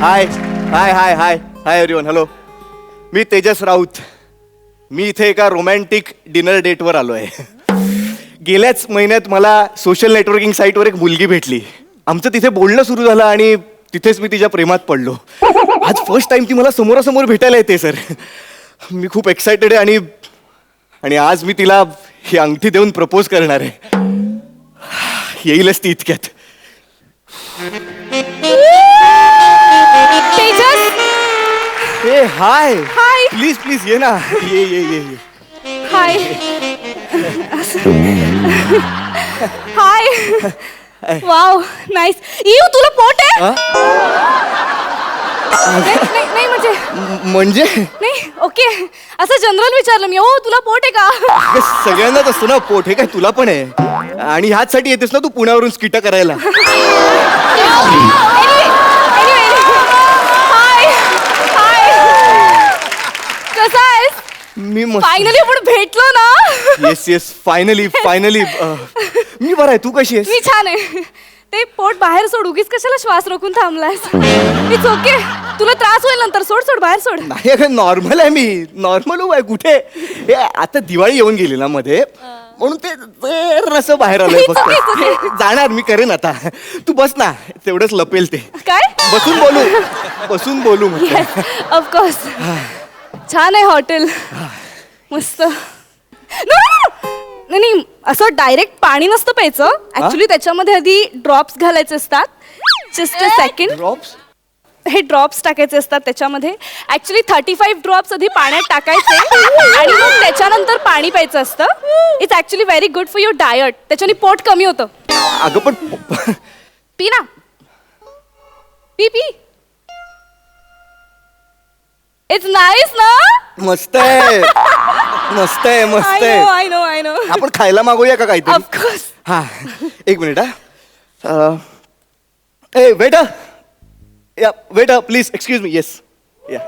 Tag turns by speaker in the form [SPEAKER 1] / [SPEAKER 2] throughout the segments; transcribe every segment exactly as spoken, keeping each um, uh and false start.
[SPEAKER 1] हाय hi hi hi hi everyone. Hello, मी तेजस राऊत. मी इथे एका रोमॅन्टिक डिनर डेटवर आलो आहे. गेल्याच महिन्यात मला सोशल नेटवर्किंग साईटवर एक मुलगी भेटली. आमचं तिथे बोलणं सुरू झालं आणि तिथेच मी तिच्या प्रेमात पडलो. आज फर्स्ट टाइम ती मला समोरासमोर भेटायला येते सर. मी खूप एक्सायटेड आहे आणि आणि आज मी तिला ही अंगठी देऊन प्रपोज करणार आहे. येईलच ती इतक्यात.
[SPEAKER 2] तेजस,
[SPEAKER 1] ए हाय
[SPEAKER 2] हाय.
[SPEAKER 1] प्लीज प्लीज ये ना. ये ये ये ये.
[SPEAKER 2] हाय. हाय. Wow, nice. इव तुला पोट आहे? नाही नाही, नाही, म्हणजे
[SPEAKER 1] म- म्हणजे
[SPEAKER 2] नाही. ओके, असं जनरल विचारलं मी. ओ तुला पोट आहे का?
[SPEAKER 1] अगं, सगळ्यांनाच असतो ना पोट. हे काय तुला पण आहे? आणि ह्याचसाठी येतेस ना तू पुण्यावरून स्किट करायला.
[SPEAKER 2] हाय हाय. कसा आहेस?
[SPEAKER 1] मी मस्त.
[SPEAKER 2] फायनली आपण भेटलो ना.
[SPEAKER 1] Yes yes finally finally. मी बरं आहे. तू कशी आहेस?
[SPEAKER 2] मी छान आहे. ते पोट बाहेर सोड. उगीच कशाला श्वास रोखून थांबलायस? It's okay. तुला त्रास होईल नंतर. सोड सोड बाहेर सोड.
[SPEAKER 1] नाही अगं, नॉर्मल आहे मी. नॉर्मल आहे. कुठे हे आता दिवाळी येऊन गेली ना मध्ये, म्हणून ते जरासं बाहेर आलंय
[SPEAKER 2] It's okay, it's okay.
[SPEAKER 1] फक्त. जाणार मी करेन आता. तू बस ना, तेवढंच लपेल ते.
[SPEAKER 2] काय?
[SPEAKER 1] बसून बोलू बसून बोलू म्हटलं.
[SPEAKER 2] Yes, of course. छान आहे हॉटेल. मस्त. No, no, no. नाही नाही, असं डायरेक्ट पाणी नसतं प्यायचं. ऍक्च्युली त्याच्यामध्ये आधी ड्रॉप्स घालायचे असतात. Just a second.
[SPEAKER 1] ड्रॉप्स?
[SPEAKER 2] हे ड्रॉप्स टाकायचे असतात त्याच्यामध्ये. ऍक्च्युली थर्टी फाईव्ह ड्रॉप्स आधी पाण्यात टाकायचे आणि मग त्याच्यानंतर पाणी प्यायचं असतं. It's actually very good for your diet. त्याच्याने पोट कमी होतं.
[SPEAKER 1] अगं पण
[SPEAKER 2] पी ना. P P. इट्स नाईस ना.
[SPEAKER 1] मस्त आहे. मस्त आहे मस्त
[SPEAKER 2] आय नो
[SPEAKER 1] आहे.
[SPEAKER 2] I know I know.
[SPEAKER 1] आपण खायला मागूया का काहीतरी?
[SPEAKER 2] ऑफकोर्स.
[SPEAKER 1] हा एक मिनिट. हा ए वेटर, या waiter please excuse me. Yes yeah.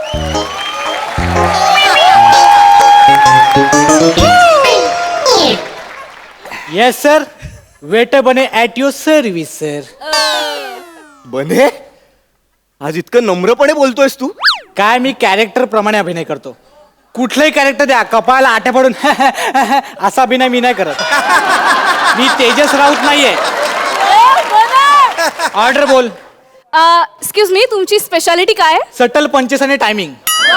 [SPEAKER 3] Yes sir, waiter Bane at your service sir.
[SPEAKER 1] Bane, आज इतकं नम्रपणे बोलतोयस तू?
[SPEAKER 3] काय मी कॅरेक्टर प्रमाणे अभिनय करतो. कुठलंही कॅरेक्टर द्या, कपाळाला आट्या पडून असा अभिनय मी नाही करत. मी तेजस राऊत नाहीये. ऑर्डर बोल.
[SPEAKER 2] एक्सक्यूज मी, तुमची स्पेशालिटी काय आहे?
[SPEAKER 3] सटल पंचेस आणि टायमिंग.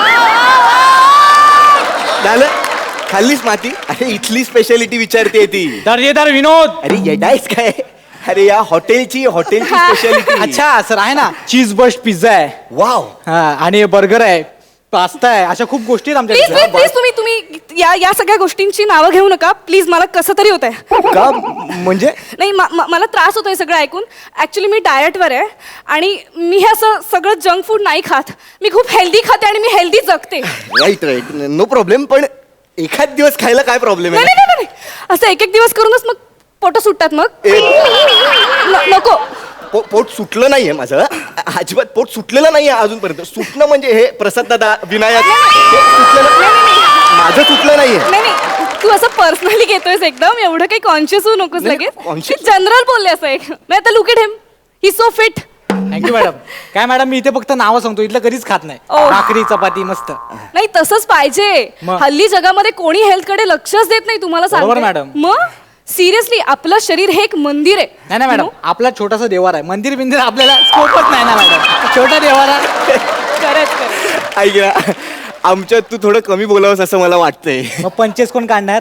[SPEAKER 1] झालं, खाल्लीच माती. अरे इथली स्पेशालिटी विचारते ती.
[SPEAKER 3] दर्जेदार विनोद.
[SPEAKER 1] अरे येडायस काय? अरे या हॉटेलची हॉटेलची स्पेशालिटी.
[SPEAKER 3] अच्छा सर, आहे ना चीज बस्ट पिझ्झा आहे.
[SPEAKER 1] वाव.
[SPEAKER 3] हा, आणि बर्गर आहे, पास्ता आहे, अशा खूप गोष्टी आहेत
[SPEAKER 2] प्लीज
[SPEAKER 3] आमच्या.
[SPEAKER 2] प्लीज प्लीज तुम्ही तुम्ही या या सगळ्या गोष्टींची नावं घेऊ नका प्लीज. मला कसं तरी होत आहे.
[SPEAKER 1] का म्हणजे?
[SPEAKER 2] नाही, म- म- मला त्रास होतोय सगळं ऐकून. ऍक्च्युली मी डायटवर आहे आणि मी हे असं सगळं जंक फूड नाही खात. मी खूप हेल्दी खाते आणि मी हेल्दी जगते.
[SPEAKER 1] Right right, no problem. पण एखाद दिवस खायला काय प्रॉब्लेम
[SPEAKER 2] नाही
[SPEAKER 1] आहे?
[SPEAKER 2] नाही नाही नाही. असं एक एक दिवस करूनच मग पोटं सुटतात मग.
[SPEAKER 1] ए,
[SPEAKER 2] न- नको.
[SPEAKER 1] पो- पोट सुटलं नाहीये माझं. अजिबात पोट सुटलेलं नाहीये अजूनपर्यंत. सुटणं म्हणजे हे प्रसाद दादा, विनायक, हे सुटलेलं माझं सुटलं नाहीये.
[SPEAKER 2] नाही नाही, तू असं पर्सनली घेतोयस एकदम. एवढं काही कॉन्शियस होऊ नकोस
[SPEAKER 1] नाही,
[SPEAKER 2] लगेच.
[SPEAKER 1] conscious?
[SPEAKER 2] जनरल बोलले असं एक. नाही आता look at him, he so fit.
[SPEAKER 3] Thank you madam. काय मॅडम, मी इथे फक्त नावं सांगतो, इथलं कधीच खात नाही.
[SPEAKER 2] ओ.
[SPEAKER 3] भाकरी चपाती मस्त.
[SPEAKER 2] नाही तसंच पाहिजे.
[SPEAKER 3] मग?
[SPEAKER 2] हल्ली जगामध्ये कोणी हेल्थ कडे लक्षच देत नाही. तुम्हाला
[SPEAKER 3] बरोबर,
[SPEAKER 2] सांगते.
[SPEAKER 3] मॅडम.
[SPEAKER 2] मग सिरियसली आपलं शरीर हे एक मंदिर आहे.
[SPEAKER 3] नाही ना मॅडम,
[SPEAKER 2] You
[SPEAKER 3] आपला छोटासा देवार आहे. मंदिर बिंदिर आपल्याला स्कोपच नाही ना मॅडम. छोटा देवार आहे.
[SPEAKER 2] know? खरंच खरंच.
[SPEAKER 1] ऐक ना, आमच्यात तू थोडं कमी बोलावंस असं मला वाटतंय.
[SPEAKER 3] मग पंचेस कोण काढणार?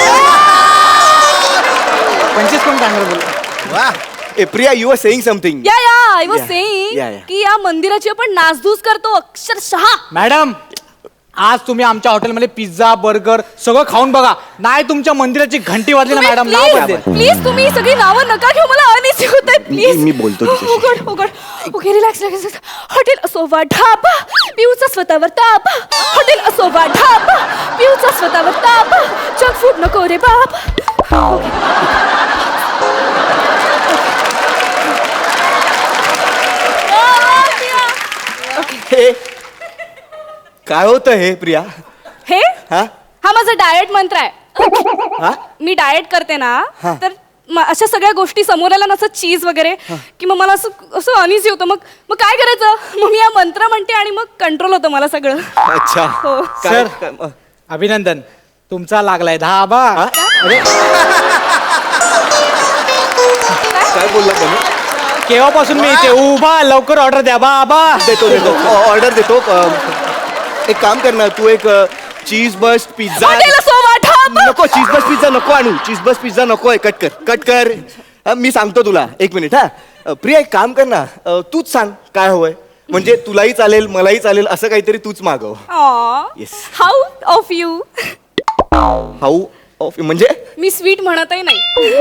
[SPEAKER 3] पंचेस कोण काढणार बोल.
[SPEAKER 1] वा. ए Priya, you are saying something.
[SPEAKER 2] Yeah yeah I was
[SPEAKER 1] Yeah.
[SPEAKER 2] Saying
[SPEAKER 1] Yeah, yeah.
[SPEAKER 2] की या मंदिराची आपण नासधूस करतो अक्षरशः.
[SPEAKER 3] मॅडम, आज तुम्ही आमच्या हॉटेलमध्ये पिझ्झा बर्गर सगळं खाऊन बघा. नाही तुमच्या मंदिराची घंटी वाजली ना मॅडम, नाव बदलेल.
[SPEAKER 2] प्लीज तुम्ही ही सगळी नावं नका घेऊ. मला अनइझी होत आहे प्लीज.
[SPEAKER 1] मी- मी बोलतो तिच्याशी.
[SPEAKER 2] उघड उघड. Okay, relax relax. हॉटेल असोवा ढाबा, पिऊचा स्वतःवर ताबा. हॉटेल असोवा ढाबा, पिऊचा स्वतःवर ताबा. जंक फूड नको रे बाबा.
[SPEAKER 1] हे काय होतं हे प्रिया?
[SPEAKER 2] हे
[SPEAKER 1] हा
[SPEAKER 2] हा माझा डाएट मंत्र आहे.
[SPEAKER 1] हा
[SPEAKER 2] मी डाएट करते ना,
[SPEAKER 1] हा.
[SPEAKER 2] तर म- अशा सगळ्या गोष्टी समोर आल्या ना, असं चीज वगैरे की मग मला असं असं अनइझी होतं. मग मग काय करायचं, मग मी हा मंत्र म्हणते आणि मग कंट्रोल होतं मला सगळं.
[SPEAKER 1] अच्छा
[SPEAKER 2] हो.
[SPEAKER 1] काय-
[SPEAKER 3] सर.
[SPEAKER 1] काय- अ,
[SPEAKER 3] अभिनंदन, तुमचा लागलाय धाबा. अरे
[SPEAKER 1] काय बोलला तुम्ही?
[SPEAKER 3] केव्हापासून मी इथे उभा, लवकर ऑर्डर द्या बाबा.
[SPEAKER 1] देतो देतो ऑर्डर देतो. अ, एक काम कर ना, तू एक चीज बस्ट पिझ्झा
[SPEAKER 2] हॉटेल असो, वाटा.
[SPEAKER 1] नको. चीज बस्ट पिझ्झा नको आणू. चीज बस्ट पिझ्झा नको आहे. कट कर कट कर. अ, मी सांगतो तुला. एक मिनिट हा. अ, प्रिया एक काम कर ना, अ, तूच सांग काय हवंय. म्हणजे तुलाही चालेल मलाही चालेल असं काहीतरी तूच मागव. Yes.
[SPEAKER 2] How of you.
[SPEAKER 1] How of म्हणजे
[SPEAKER 2] मी स्वीट म्हणतही नाही.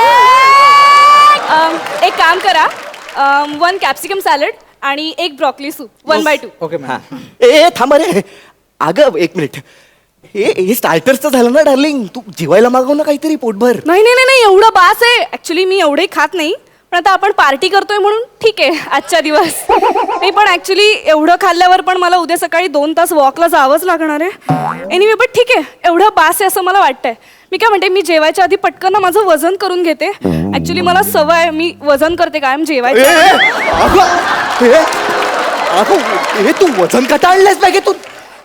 [SPEAKER 2] अम, एक काम करा, वन कॅप्सिकम सॅलड आणि एक broccoli soup one by two.
[SPEAKER 3] Okay
[SPEAKER 1] हा.
[SPEAKER 3] मॅम.
[SPEAKER 1] ए ए, थांब रे. अगं एक मिनिट. हे हे स्टार्टरचं झालं ना डार्लिंग. तू जेवायला मागव ना काहीतरी पोटभर.
[SPEAKER 2] नाही नाही नाही नाही, एवढं बास आहे. ऍक्च्युली मी एवढे खात नाही, पण आता आपण पार्टी करतोय म्हणून ठीक आहे आजच्या दिवस. नाही पण ऍक्च्युली एवढं खाल्ल्यावर पण मला उद्या सकाळी दोन तास वॉकला जावंच लागणार आहे. एनिवे बट ठीक आहे, एवढं बास आहे असं मला वाटतंय. मी काय म्हणते, मी जेवायच्या आधी पटकन ना माझं वजन करून घेते. ऍक्च्युली मला सवय आहे, मी वजन करते कायम
[SPEAKER 1] ए,
[SPEAKER 2] जेवायच्या
[SPEAKER 1] ए,
[SPEAKER 2] आधी.
[SPEAKER 1] अगं, हे, अगं, हे तू वजन कटाळलंयस पाहिजे तू.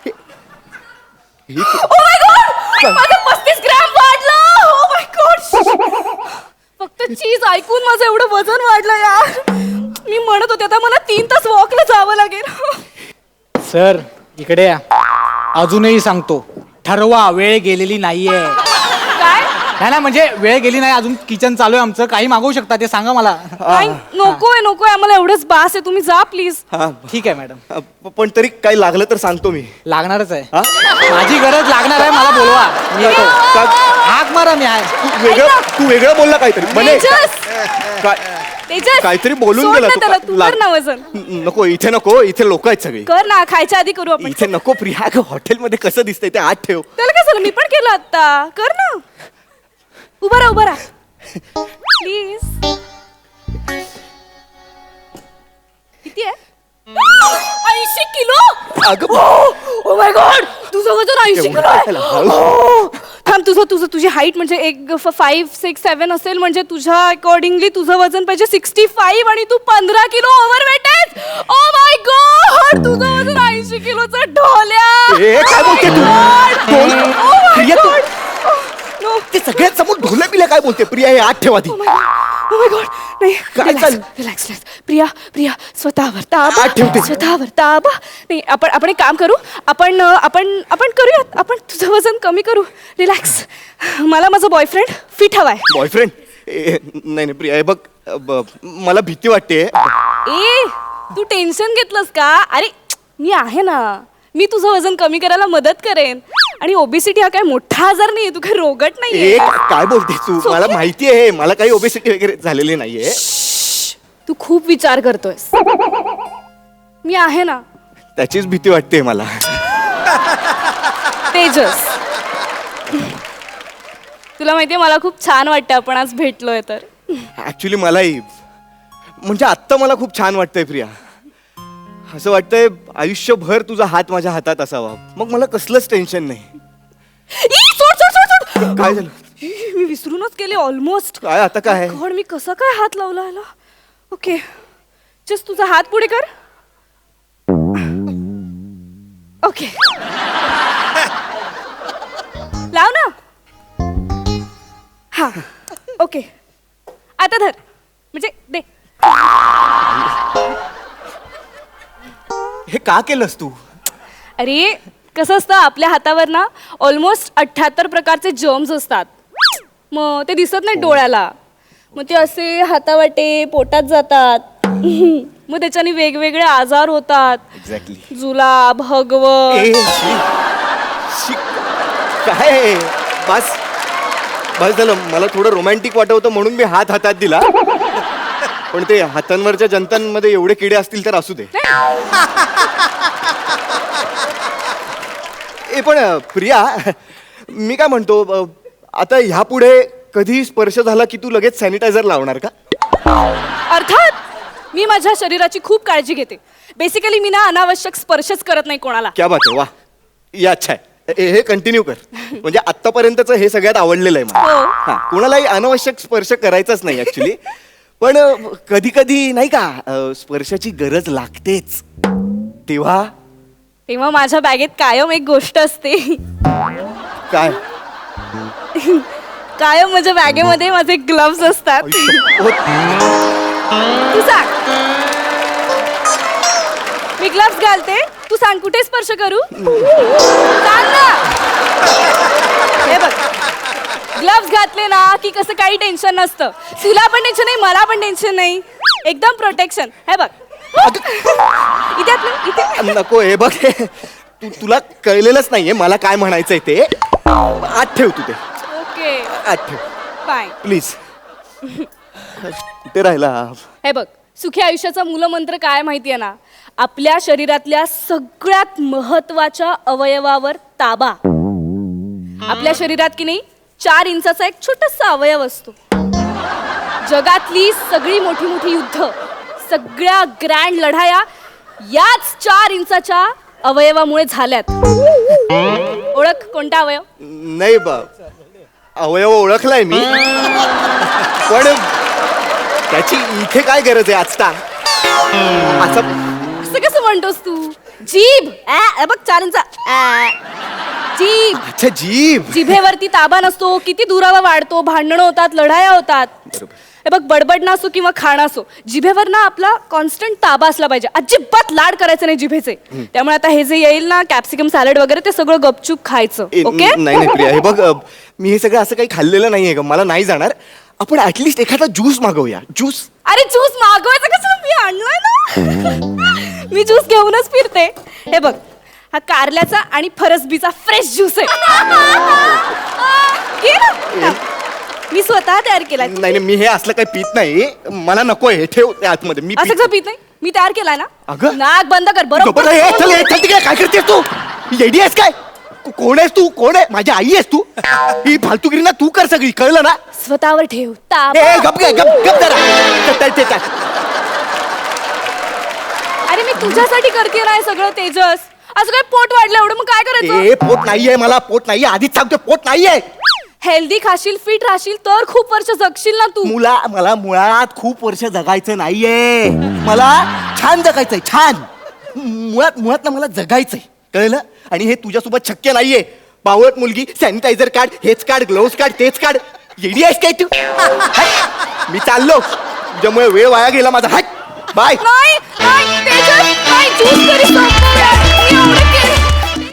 [SPEAKER 2] Oh my God! माझं पस्तीस ग्रॅम वाढलं. Oh my God! फक्त चीज ऐकून माझं एवढं वजन वाढलं यार. मी म्हणत होते आता मला तीन तास वॉकला जावं लागेल.
[SPEAKER 3] सर इकडे या. अजूनही सांगतो, ठरवा, वेळ गेलेली नाहीये.
[SPEAKER 2] काय?
[SPEAKER 3] नाही ना, म्हणजे वेळ गेली नाही, अजून किचन चालू आहे आमचं. काही मागवू शकता, ते सांगा मला.
[SPEAKER 2] नाही, नकोय नकोय, आम्हाला एवढंच बास आहे. तुम्ही जा प्लीज.
[SPEAKER 1] हा,
[SPEAKER 3] ठीक आहे मॅडम,
[SPEAKER 1] अ, प- पण तरी काही लागलं तर सांगतो मी.
[SPEAKER 3] लागणारच आहे.
[SPEAKER 1] हा?
[SPEAKER 3] माझी गरज लागणार आहे, मला बोलवा, मी येतो.
[SPEAKER 1] का-
[SPEAKER 3] हाक मारा, मी आहे.
[SPEAKER 1] तू वेगळं तू वेगळं बोलला काहीतरी म्हणे.
[SPEAKER 2] तेजस
[SPEAKER 1] काय
[SPEAKER 2] तेजस
[SPEAKER 1] काहीतरी बोलून
[SPEAKER 2] सोड
[SPEAKER 1] गेला
[SPEAKER 2] ना
[SPEAKER 1] तू.
[SPEAKER 2] त्याला,
[SPEAKER 1] का-
[SPEAKER 2] तू
[SPEAKER 1] लाग-
[SPEAKER 2] कर ना वजन.
[SPEAKER 1] न- नको इथे नको. इथे लोक आहेत सगळी.
[SPEAKER 2] कर ना, खायच्या आधी करू आपण.
[SPEAKER 1] इथे नको प्रिया. अगं हॉटेलमध्ये कसं दिसतंय ते आत ठेव.
[SPEAKER 2] त्याला काय झालं, मी पण केलं आता. कर ना, उभा राहा उभा राहा प्लीज. किती आहे? ऐंशी किलो.
[SPEAKER 1] अगं
[SPEAKER 2] ओ माय गॉड, तुझं वजन ऐंशी
[SPEAKER 1] एवढं
[SPEAKER 2] किलो आहे.
[SPEAKER 1] कशाला? हळू.
[SPEAKER 2] हो. थांब, तुझं तुझं तुझी हाईट म्हणजे एक फाईव्ह सिक्स सेवन असेल, म्हणजे तुझ्या अकॉर्डिंगली तुझं वजन पाहिजे सिक्स्टी फाईव्ह आणि तू पंधरा किलो ओव्हरवेट आहेस. ओ माय गॉड, तुझं वजन ऐंशी किलोचं ढोल्या.
[SPEAKER 1] ए, काय बोलते तू? ढोल?
[SPEAKER 2] Oh my
[SPEAKER 1] Priya, Tu-
[SPEAKER 2] God. No.
[SPEAKER 1] ते सगळ्यात समोर ढोले पिल्या काय बोलते प्रिया. हे आत ठेवा ती.
[SPEAKER 2] Oh my God. Oh my God. नाही,
[SPEAKER 1] काय
[SPEAKER 2] relax,
[SPEAKER 1] चाललं?
[SPEAKER 2] relax, relax. प्रिया प्रिया स्वतःवर ताबा.
[SPEAKER 1] आत ठेवते.
[SPEAKER 2] स्वतःवर ताबा. नाही, आपण आपण एक काम करू. आपण अं, आपण आपण करूयात. आपण तुझं वजन कमी करू. रिलॅक्स. मला माझा बॉयफ्रेंड फिट हवाय.
[SPEAKER 1] बॉयफ्रेंड? नाही नाही प्रिया, हे बघ, अ, ब- मला भीती वाटते.
[SPEAKER 2] ए, तू टेन्शन घेतलंस का? अरे मी आहे ना, मी तुझं वजन कमी करायला मदत करेन. आणि ओबेसिटी हा काय मोठा आजार नाहीये, तू काय रोगट नाहीये.
[SPEAKER 1] एक काय बोलते तू?
[SPEAKER 2] So
[SPEAKER 1] मला
[SPEAKER 2] okay.
[SPEAKER 1] माहिती आहे, मला काही ओबेसिटी वगैरे झालेली नाहीये.
[SPEAKER 2] तू खूप विचार करतोयस. मी आहे ना.
[SPEAKER 1] त्याचीच भीती वाटते मला.
[SPEAKER 2] तेजस, तुला माहितीये मला खूप छान वाटतं आपण आज भेटलोय तर.
[SPEAKER 1] ऍक्च्युली मलाही, म्हणजे आत्ता मला खूप छान वाटतंय प्रिया. असं वाटतंय आयुष्यभर तुझा हात माझ्या हातात असावा, मग मला कसलंच टेन्शन नाही.
[SPEAKER 2] ई, सोड सोड सोड सोड.
[SPEAKER 1] काय झालं?
[SPEAKER 2] ई, मी विसरूनच केले ऑलमोस्ट.
[SPEAKER 1] काय आता काय?
[SPEAKER 2] गॉड, मी कसा काय हात लावला ह्याला. ओके, जस्ट तुझा हात पुढे कर. ओके, लाव ना. हा, ओके, आता धर, म्हणजे दे.
[SPEAKER 1] हे का केलंस तू?
[SPEAKER 2] अरे कसं असतं, आपल्या हातावर ना ऑलमोस्ट अठ्ठ्याहत्तर प्रकारचे जर्म्स असतात. मग ते दिसत नाही डोळ्याला, मग ते असे हातावाटे पोटात जातात. मग त्याच्याने वेगवेगळे आजार होतात.
[SPEAKER 1] एक्झॅक्टली.
[SPEAKER 2] जुलाब, हगवं.
[SPEAKER 1] काय बस बस झालं. मला थोडं रोमॅन्टिक वाटत होतं म्हणून मी हात हातात दिला, पण ते हातांवरच्या जंतांमध्ये एवढे किडे असतील तर असू दे. ए पण अ, प्रिया, मी काय म्हणतो, अ, आता ह्या पुढे कधी स्पर्श झाला की तू लगेच सॅनिटायझर लावणार का?
[SPEAKER 2] अर्थात मी माझ्या शरीराची खूप काळजी घेते. बेसिकली मी ना अनावश्यक स्पर्शच करत नाही कोणाला.
[SPEAKER 1] क्या बात आहे, वा, या अच्छा आहे. हे हे कंटिन्यू कर म्हणजे आतापर्यंतच हे सगळ्यात आवडलेलं आहे मला.
[SPEAKER 2] हो.
[SPEAKER 1] हा कोणालाही अनावश्यक स्पर्श करायचाच नाही ऍक्च्युली. पण कधी कधी नाही का अ, स्पर्शाची गरज लागतेच तेव्हा
[SPEAKER 2] तेव्हा माझ्या बॅगेत कायम एक गोष्ट असते.
[SPEAKER 1] काय
[SPEAKER 2] कायम माझ्या बॅगेमध्ये माझे ग्लव्स असतात.
[SPEAKER 1] हो,
[SPEAKER 2] तू सांग. मी ग्लव्स घालते, तू सांग कुठे स्पर्श करू? सांग ना. हे बघ, ग्लव्स घातले ना की कसं काही टेन्शन नसतं. तुला पण टेन्शन नाही, मला पण टेन्शन नाही. एकदम प्रोटेक्शन. हे बघ इथे आत ना, इथे.
[SPEAKER 1] नको हे बघ तू तुला कळलेलंच नाहीये मला काय म्हणायचंय ते. आत ठेव तू ते
[SPEAKER 2] ओके
[SPEAKER 1] आत ठेव
[SPEAKER 2] फाईन.
[SPEAKER 1] प्लीज. कुठे राहिला?
[SPEAKER 2] हे बघ, सुखी आयुष्याचा मूलमंत्र काय माहितीये ना? आपल्या शरीरातल्या सगळ्यात महत्वाच्या अवयवावर ताबा. आपल्या शरीरात की नाही चार इंचाचा एक छोटासा अवयव असतो. जगातली सगळी मोठी मोठी युद्ध, सगळ्या ग्रँड लढाया याच चार इंचाच्या अवयवामुळे झाल्यात. ओळख कोणता अवयव?
[SPEAKER 1] नाही बा अवयव ओळखलाय मी पण त्याची इथे काय गरज आहे आजता? असं
[SPEAKER 2] असं कसं म्हणतोस तू? जीभ. ऍ, हे बघ चार इंचा. ऍ. जीभ.
[SPEAKER 1] अच्छा जीभ.
[SPEAKER 2] जिभेवरती ताबा नसतो, किती दुरावा वाढतो, भांडणं होतात, लढाया होतात. हे बघ, बडबड असो किंवा खाणं असो, जिभेवर ना आपला कॉन्स्टंट ताबा असला पाहिजे. अजिबात लाड करायचे नाही जिभेचे. त्यामुळे आता हे जे येईल ना कॅप्सिकम सॅलड वगैरे ते सगळं गपचूप खायचं.
[SPEAKER 1] ए,
[SPEAKER 2] ओके?
[SPEAKER 1] नाही नाही प्रिया हे बघ अ, मी हे सगळं असं काही खाल्लेलं नाहीये ग मला नाही जाणार. आपण ऍटलिस्ट एखादा ज्यूस मागवूया. ज्यूस.
[SPEAKER 2] अरे ज्यूस मागवायचं कसं? मी आणलाय ना. मी ज्यूस घेऊनच फिरते. हे बघ, हा कारल्याचा आणि फरसबीचा फ्रेश ज्यूस आहे. घे ना. मी स्वतः तयार केलाय.
[SPEAKER 1] नाही नाही मी हे असलं काही पित नाही मला नकोय हे ठेव त्या आतमध्ये मी
[SPEAKER 2] असं
[SPEAKER 1] पित-
[SPEAKER 2] कसं पित नाही? मी तयार केलाय ना.
[SPEAKER 1] अगं.
[SPEAKER 2] नाक बंद कर.
[SPEAKER 1] बरोबर
[SPEAKER 2] बरोबर.
[SPEAKER 1] आहे. चल हे, चल तिकडे काय करतेस तू? येडी आहेस काय? को- कोण आहेस तू? कोण आहे? माझी आई आहेस तू? ही फालतूगिरी ना तू कर सगळी कळलं ना?
[SPEAKER 2] स्वतःवर ठेव
[SPEAKER 1] ए
[SPEAKER 2] ताबा.
[SPEAKER 1] गप गे गप गप जरा. चल, चल, चल, चल.
[SPEAKER 2] अरे मी तुझ्यासाठी करते ना हे सगळं तेजस. असं काय पोट वाढलं एवढं मग काय करायचं?
[SPEAKER 1] ए पोट नाहीये मला पोट नाहीये आधीच सांगतो पोट नाहीये.
[SPEAKER 2] हेल्दी खाशील, फिट राहशील तर खूप वर्ष जगशील ना तू.
[SPEAKER 1] मुला मला मुळात खूप वर्ष जगायचं नाहीये. मला छान जगायचंय छान. मुळात मुळात ना मला जगायचंय कळलं. आणि हे तुझ्यासोबत शक्य नाहीये. बावळट मुलगी सॅनिटायझर काढ हेच काढ ग्लोव्स काढ तेच काढ. येडी आहेस काय तू? हट. मी चाललो तुझ्यामुळे वेळ वाया गेला माझा. हट बाय.
[SPEAKER 2] नाही नाही तेजस, नाही ज्यूस तरी सोड.